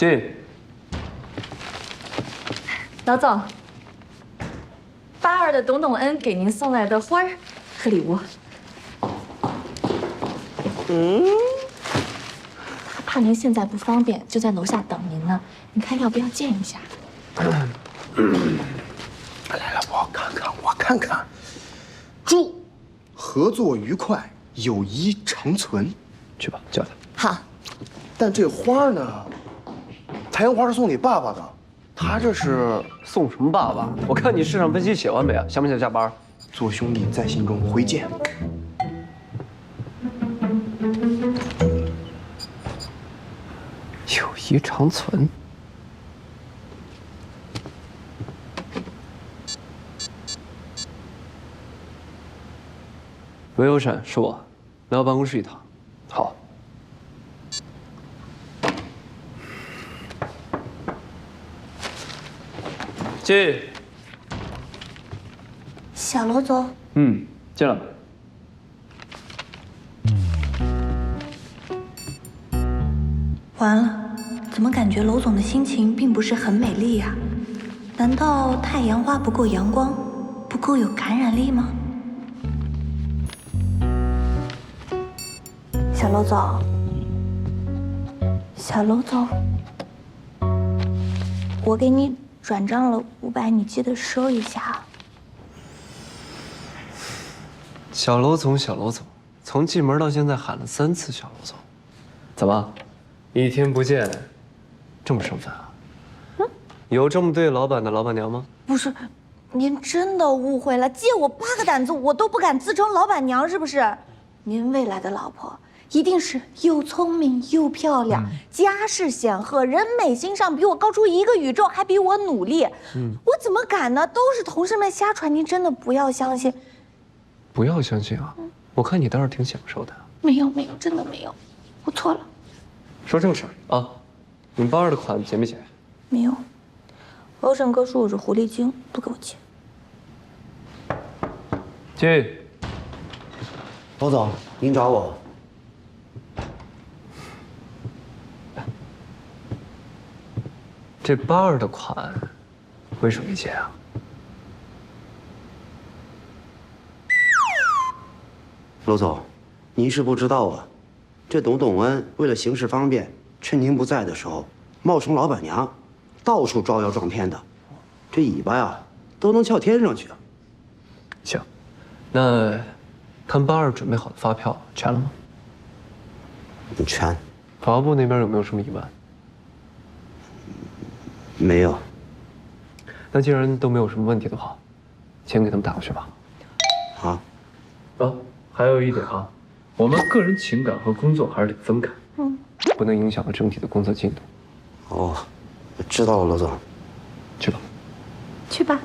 进。 老总，82的董恩给您送来的花儿和礼物。他怕您现在不方便，就在楼下等您呢。你看要不要见一下？ 来来，我看看。祝合作愉快，友谊长存。 去吧，叫他。 好。 但这花呢？太阳花是送给爸爸的，他这是送什么爸爸？我看你市场分析写完没啊？想不想下班？ 做兄弟在心中，回见。 友谊长存。喂，欧审，是我，来我办公室一趟。好。进。 小罗总。 进来吧。 完了，怎么感觉娄总的心情并不是很美丽呀？难道太阳花不够阳光，不够有感染力吗？小娄总，小娄总，我给你转账了500，你记得收一下。 小娄总，小娄总，从进门到现在喊了3次小娄总，怎么，一天不见，这么生分啊？有这么对老板的老板娘吗？ 不是，您真的误会了。借我8个胆子，我都不敢自称老板娘，是不是？您未来的老婆一定是又聪明又漂亮，家世显赫，人美心上比我高出1个宇宙，还比我努力。我怎么敢呢？都是同事们瞎传，您真的不要相信。 不要相信啊！我看你倒是挺享受的。 没有，真的没有，我错了。 说正事儿啊！你们82的款结没结？ 没有，欧胜哥说我是狐狸精，不给我结。 进。 娄总，您找我。 这82的款为什么没结啊？ 娄总，您是不知道啊，这董恩为了行事方便，趁您不在的时候，冒充老板娘，到处招摇撞骗的，这尾巴呀都能翘天上去。 行，那看82准备好的发票全了吗？ 全。 法务部那边有没有什么疑问？ 没有。 那既然都没有什么问题的话，钱给他们打过去吧。 好。 还有一点啊，我们个人情感和工作还是得分开，不能影响了整体的工作进度。 哦，知道了，娄总。 去吧。 去吧。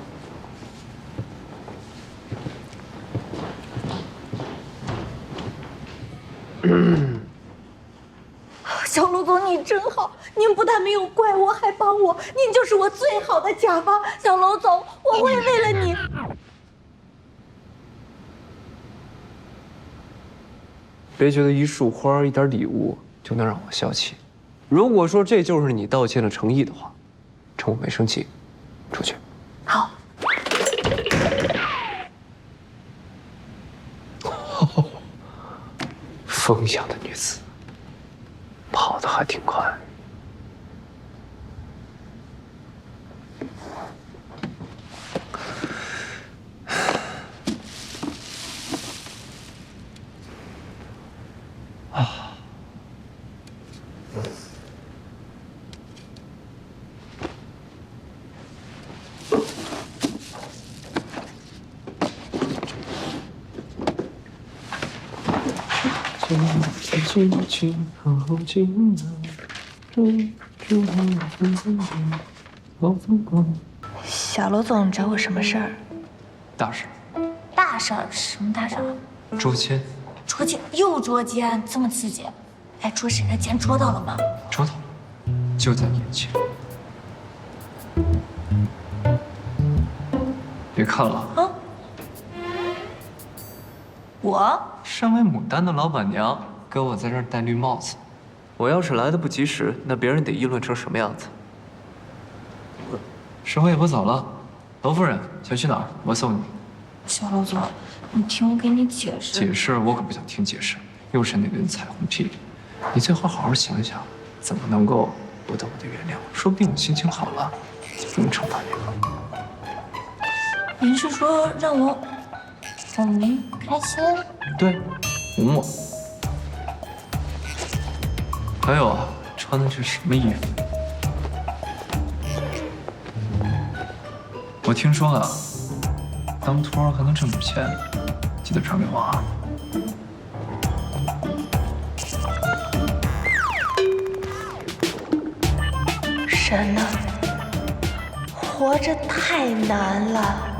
小卢总，你真好，您不但没有怪我，还帮我，您就是我最好的甲方。小卢总，我会为了你。 别觉得一束花、一点礼物就能让我消气。如果说这就是你道歉的诚意的话，趁我没生气，出去。 好。 风一样的女子，跑得还挺快。 小罗总找我什么事儿？ 大事。 大事儿？什么大事儿？ 捉奸。 捉奸？又捉奸？这么刺激？哎，捉谁的奸？捉到了吗？ 捉到了，就在眼前。别看了啊！ 我身为牡丹的老板娘，跟我在这儿戴绿帽子， 我要是来的不及时，那别人得议论成什么样子？时候也不早了，娄夫人想去哪儿？我送你。 小娄总，你听我给你解释。 解释我可不想听解释，又是那顿彩虹屁里。你最好好好想想，怎么能够获得我的原谅？说不定我心情好了，就不用惩罚你了。 您是说让我哄您开心？ 对，哄我。还有啊，穿的是什么衣服？我听说啊，当托还能挣点钱，记得传给我啊。 神呐，活着太难了。